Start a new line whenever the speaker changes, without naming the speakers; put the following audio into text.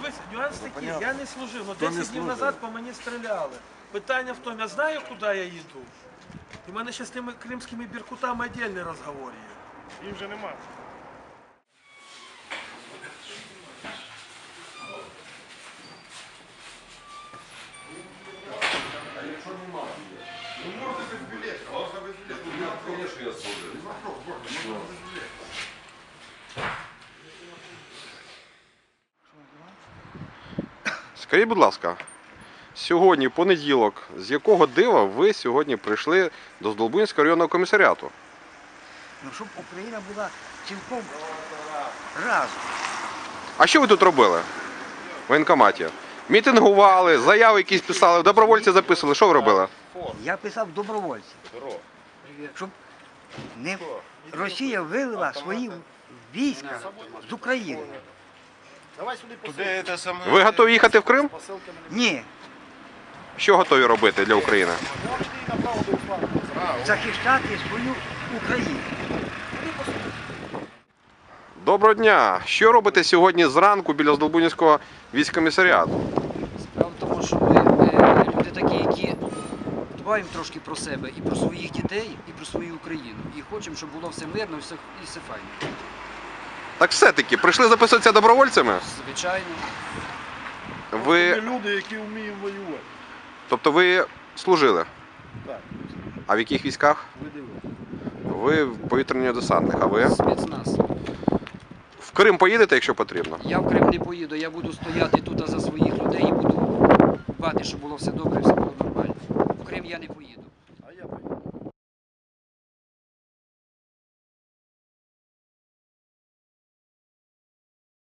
Дивіться, нюанс такий, я не служив, але 10 днів назад по мені стріляли. Питання в тому, я знаю, куди я їду. І в мене ще з тими кримськими біркутами окремий розговор є.
Їх вже немає.
Скажіть, будь ласка, сьогодні понеділок, з якого дива ви сьогодні прийшли до Здолбунського районного комісаріату?
Ну, щоб Україна була цілком разом.
А що ви тут робили? В воєнкоматі? Мітингували, заяви якісь писали, добровольці записували. Що ви робили?
Я писав добровольців. Щоб не Росія вивела свої війська з України.
Ви готові їхати в Крим?
Ні,
Що готові робити для України?
захищати свою Україну.
Доброго дня! Що робите сьогодні зранку біля Здолбунського військкомісаріату?
Справа в тому, що ми люди такі, які дбаємо трошки про себе і про своїх дітей, і про свою Україну. І хочемо, щоб було все мирно і все файно.
Так все-таки, прийшли записуватися добровольцями?
Звичайно.
Ви,
Люди, які вміють воювати.
тобто ви служили?
Так,
А в яких військах?
ви дивитесь.
Ви повітряні десантник, а ви?
Спецназ.
В Крим поїдете, якщо потрібно?
Я в Крим не поїду, я буду стояти тут за своїх людей і буду дбати, щоб було все добре, все було нормально. В Крим я не поїду.